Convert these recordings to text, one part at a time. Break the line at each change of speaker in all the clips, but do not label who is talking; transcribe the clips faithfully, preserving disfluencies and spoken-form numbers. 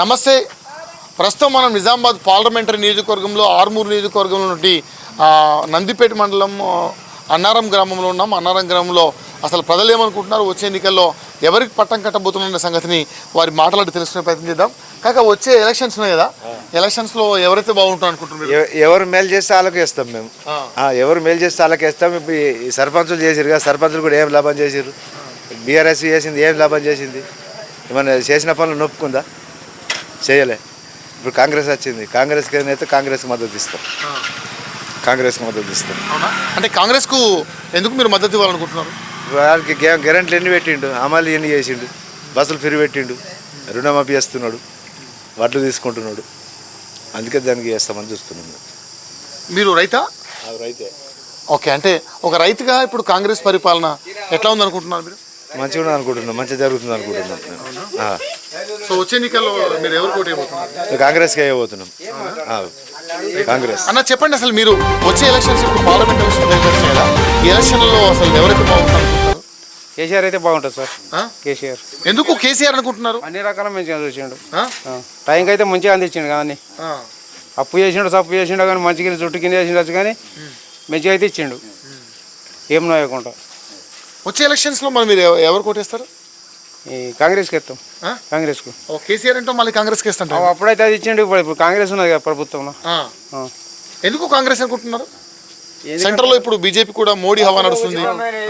నమస్తే. ప్రస్తుతం మనం నిజామాబాద్ పార్లమెంటరీ నియోజకవర్గంలో ఆర్మూరు నియోజకవర్గంలో నుండి నందిపేట మండలం అన్నారం గ్రామంలో ఉన్నాం. అన్నారం గ్రామంలో అసలు ప్రజలు ఏమనుకుంటున్నారు, వచ్చే ఎన్నికల్లో ఎవరికి పట్టం కట్టబోతున్న సంగతిని వారి మాట్లాడి తెలుసుకునే ప్రయత్నం చేద్దాం. కాక వచ్చే ఎలక్షన్స్ ఉన్నాయి కదా, ఎలక్షన్స్లో ఎవరైతే బాగుంటారు అనుకుంటున్నారు?
ఎవరు మేలు చేస్తే వాళ్ళకి వేస్తాం మేము. ఎవరు మేలు చేస్తే వాళ్ళకి వేస్తాం. ఇప్పుడు ఈ సర్పంచులు చేసారు కదా, సర్పంచులు కూడా ఏం లాభం చేసారు? బీఆర్ఎస్ చేసింది ఏం లాభం చేసింది? ఏమన్నా చేసిన పనులు నొప్పుకుందా? చేయలే. ఇప్పుడు కాంగ్రెస్ వచ్చింది, కాంగ్రెస్కి అయితే కాంగ్రెస్కి మద్దతు ఇస్తాం. కాంగ్రెస్కి మద్దతు ఇస్తాం.
అంటే కాంగ్రెస్కు ఎందుకు మీరు మద్దతు ఇవ్వాలనుకుంటున్నారు?
వాళ్ళకి గ్యారెంటీలు ఎన్ని పెట్టిండు, అమలు ఎన్ని చేసిండు, బస్సులు ఫ్రీ పెట్టిండు, రుణమాఫీ చేస్తున్నాడు, వడ్లు తీసుకుంటున్నాడు. అందుకే దానికి చేస్తామని చూస్తున్నాం.
మీరు రైతా?
రైతే.
ఓకే, అంటే ఒక రైతుగా ఇప్పుడు కాంగ్రెస్ పరిపాలన ఎట్లా ఉందనుకుంటున్నారు మీరు?
మంచిగా అనుకుంటున్నాం, మంచిగా జరుగుతుంది అనుకుంటున్నాం.
సో వచ్చే ఎన్నికల్లో మీరు ఎవరు పోటీ అయిపోతున్నారు?
కాంగ్రెస్కి అయిపోతున్నాం. కాంగ్రెస్.
అన్న చెప్పండి, అసలు మీరు వచ్చే ఎలక్షన్స్ ఇప్పుడు పార్లమెంట్ ఎలక్షన్ దగ్గర కదా, ఈ ఎలక్షన్లో అసలు ఎవరైతే బాగుంటారు?
కేసీఆర్ అయితే బాగుంటుంది సార్. కేసీఆర్.
ఎందుకు కేసీఆర్ అనుకుంటున్నారు?
అన్ని రకాల మంచిగా చూసిండు, టైంకి అయితే మంచిగా అందించిండు. కానీ అప్పు చేసిండు, తప్పు చేసిండు, కానీ మంచిగా చుట్టు కింద చేసిండొచ్చు, కానీ మంచిగా అయితే ఇచ్చిండు ఏం నోయకుండా.
వచ్చే ఎలక్షన్స్లో మరి మీరు ఎవరు కొట్టేస్తారు?
ఈ కాంగ్రెస్కి ఇస్తాం. కాంగ్రెస్కు.
కేసీఆర్ అంటే మళ్ళీ కాంగ్రెస్కి ఇస్తాం.
అప్పుడైతే అది ఇచ్చిండు, ఇప్పుడు ఇప్పుడు కాంగ్రెస్ ఉన్నది కదా ప్రభుత్వంలో.
ఎందుకు కాంగ్రెస్ అనుకుంటున్నారు? సెంట్రల్లో ఇప్పుడు బీజేపీ కూడా మోడీ హవా నడుస్తుంది.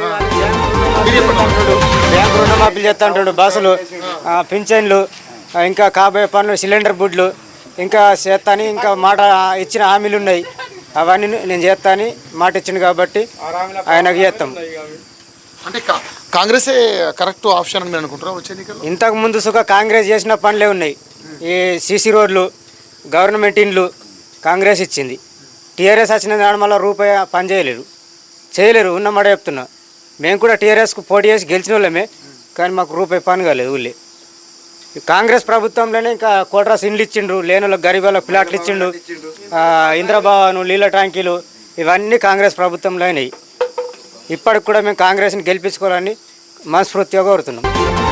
బ్యాంకు రుణమాఫీలు చేస్తా ఉంటాడు, బస్సులు, పింఛన్లు, ఇంకా కాబోయే పనులు, సిలిండర్ బుడ్లు ఇంకా చేస్తాని, ఇంకా మాట ఇచ్చిన హామీలు ఉన్నాయి, అవన్నీ నేను చేస్తాని మాట ఇచ్చిండు కాబట్టి ఆయనకు చేస్తాం.
అంటే కాంగ్రెసే కరెక్ట్ ఆప్షన్ అని అనుకుంటారా వచ్చే ఎన్నికల్లో?
ఇంతకు ముందు సుఖ కాంగ్రెస్ చేసిన పనులే ఉన్నాయి. ఈ సీసీ రోడ్లు, గవర్నమెంట్ ఇండ్లు కాంగ్రెస్ ఇచ్చింది. టీఆర్ఎస్ వచ్చిన దాని వల్ల రూపాయి పని చేయలేరు చేయలేరు ఉన్నమాట చెప్తున్నా. మేము కూడా టీఆర్ఎస్కు పోటీ చేసి గెలిచిన వాళ్ళమే, కానీ మాకు రూపాయి పని కాలేదు ఊళ్ళే. కాంగ్రెస్ ప్రభుత్వంలోనే ఇంకా కోట్రాస్ ఇండ్లు ఇచ్చిండ్రు, లేని వాళ్ళకి గరీబ్ వాళ్ళకి ప్లాట్లు ఇచ్చిండు, ఇంద్రభవను, నీళ్ళ ట్యాంకీలు ఇవన్నీ కాంగ్రెస్ ప్రభుత్వంలో అయినాయి. ఇప్పటికి కూడా మేము కాంగ్రెస్ని గెలిపించుకోవాలని మనస్ఫూర్తిగా కోరుతున్నాం.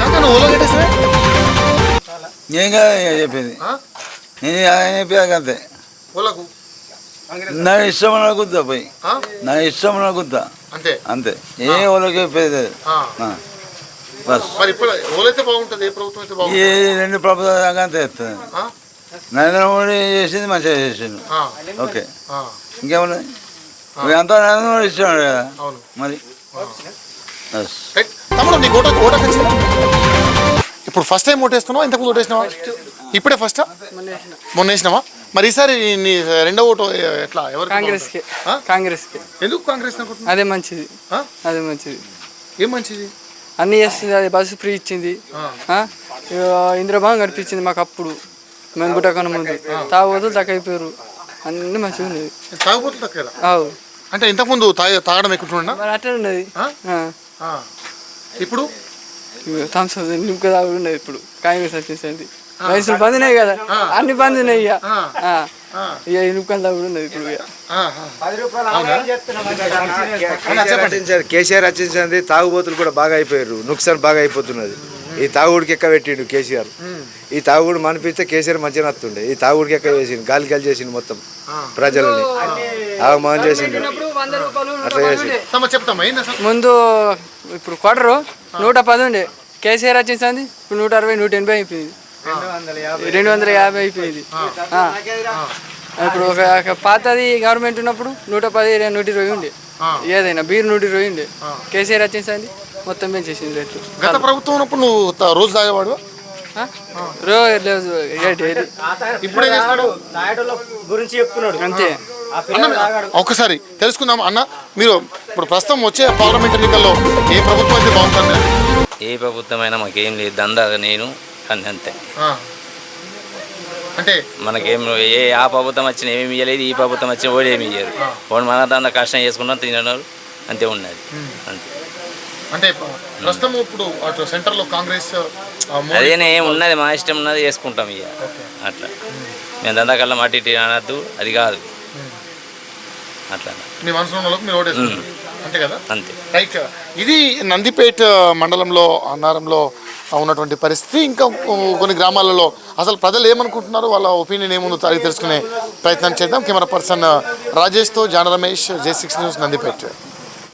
చెప్పింది అంతే, నా ఇష్టం అనుకుంటా పోయి, నా ఇష్టం అనుకుంటా అంతే అంతే. ఏ వాళ్ళకి చెప్పేది ఏ రెండు ప్రభుత్వం అంతే చెప్తుంది. నరేంద్ర మోడీ చేసింది మంచిగా చేసిండు. ఓకే, ఇంకేమన్నా అంతా నరేంద్ర మోడీ ఇస్తున్నాడు కదా మరి.
ఇప్పుడు ఫస్ట్ టైం ఓటేస్తున్నావా? ఇంతకు ముందు ఓటేసినావా? ఇప్పుడే ఫస్టా? మొన్న వేసినావా? మరి ఈసారి నీ రెండో ఓటు ఎట్లా? ఎవరు?
కాంగ్రెస్కి. కాంగ్రెస్కి.
ఎందుకు కాంగ్రెస్ అనుకుంటున్నా?
అదే మంచిది, అదే మంచిది.
ఏం మంచిది?
అన్నీ చేస్తుంది, అది బస్సు ఫ్రీ ఇచ్చింది, ఇంద్రభవనం కనిపించింది మాకు. అప్పుడు మేము గుట్టకన్నా ముందు తాగుబోతులు తక్కువ అయిపోయారు, అన్నీ మంచిగా ఉండేది.
తాగుబోతులు తక్కువ అంటే ఇంతకుముందు తాగ తాగడం ఎక్కువ
మరి అట్లా ఉండేది.
ఇప్పుడు
థమ్స్ నింక తాగుడు ఉండేది. ఇప్పుడు కాంగ్రెస్ వచ్చేసింది, వయసులు బందినాయి కదా, అన్ని బందినాయి. ఇక ఇక నింకలు తాగుడు ఉండేది ఇప్పుడు.
కేసీఆర్ వచ్చింది, తాగుబోతులు కూడా బాగా అయిపోయారు, నుక్సాన్ బాగా అయిపోతున్నది. ఈ తాగుడికి ఎక్క పెట్టిండు కేసీఆర్. ఈ తాగుడు మనిపిస్తే కేసీఆర్ మంచిగా నత్తుండే. ఈ తాగుడికి ఎక్క చేసిండు, గాలి గాలి చేసిండు మొత్తం ప్రజలని ఆగమనం చేసిండు. అట్లా చేసిండు.
ముందు ఇప్పుడు క్వార్టరు నూట పది ఉండే, కేసీఆర్ వచ్చేసింది ఇప్పుడు నూట అరవై నూట ఎనభై అయిపోయింది, రెండు వందల యాభై అయిపోయింది. ఇప్పుడు ఒక పాతది గవర్నమెంట్ ఉన్నప్పుడు నూట పది నూట ఇరవై ఉండే, ఏదైనా బీరు నూట ఇరవై ఉండే. కేసీఆర్ వచ్చేసింది మొత్తం పెంచేసింది రేట్లు.
గత ప్రభుత్వం ఉన్నప్పుడు నువ్వు రోజు తాగేవాడు?
రోజు
గురించి చెప్తున్నాడు
అంతే.
ఒక్కసారి తెలుసుకుందాం అన్న, మీరు ఇప్పుడు ప్రస్తుతం వచ్చే పార్లమెంట్ ఎన్నికల్లో ఏ ప్రభుత్వం అయితే బాగుంటుంది?
ఏ ప్రభుత్వం అయినా మాకేం లేదు, దందా నేను అంతే.
అంటే
మనకేం ఏ ఆ ప్రభుత్వం వచ్చిన ఏమి ఇవ్వలేదు, ఈ ప్రభుత్వం వచ్చిన ఓడి ఏమి ఇయ్యారు. వాడు మన దందా కష్టం చేసుకుంటాం, తినడం అంతే ఉన్నది అంతే.
అంటే ప్రస్తుతం ఇప్పుడు అటు సెంటర్లో కాంగ్రెస్
అదేనే ఏమి ఉన్నది, మా ఇష్టం ఉన్నది చేసుకుంటాం ఇక అట్లా. మేము దందా కల్లా మట్టి అనద్దు, అది కాదు అట్లా.
మీ మనసులో మీరు ఓటేస్తారు అంతే కదా?
అంతే.
రైట్. ఇది నందిపేట మండలంలో అన్నారంలో ఉన్నటువంటి పరిస్థితి. ఇంకా కొన్ని గ్రామాలలో అసలు ప్రజలు ఏమనుకుంటున్నారు, వాళ్ళ ఒపీనియన్ ఏముందో అడిగి తెలుసుకునే ప్రయత్నం చేద్దాం. కెమెరా పర్సన్ రాజేష్తో జాన Ramesh, J six news, Nandipet.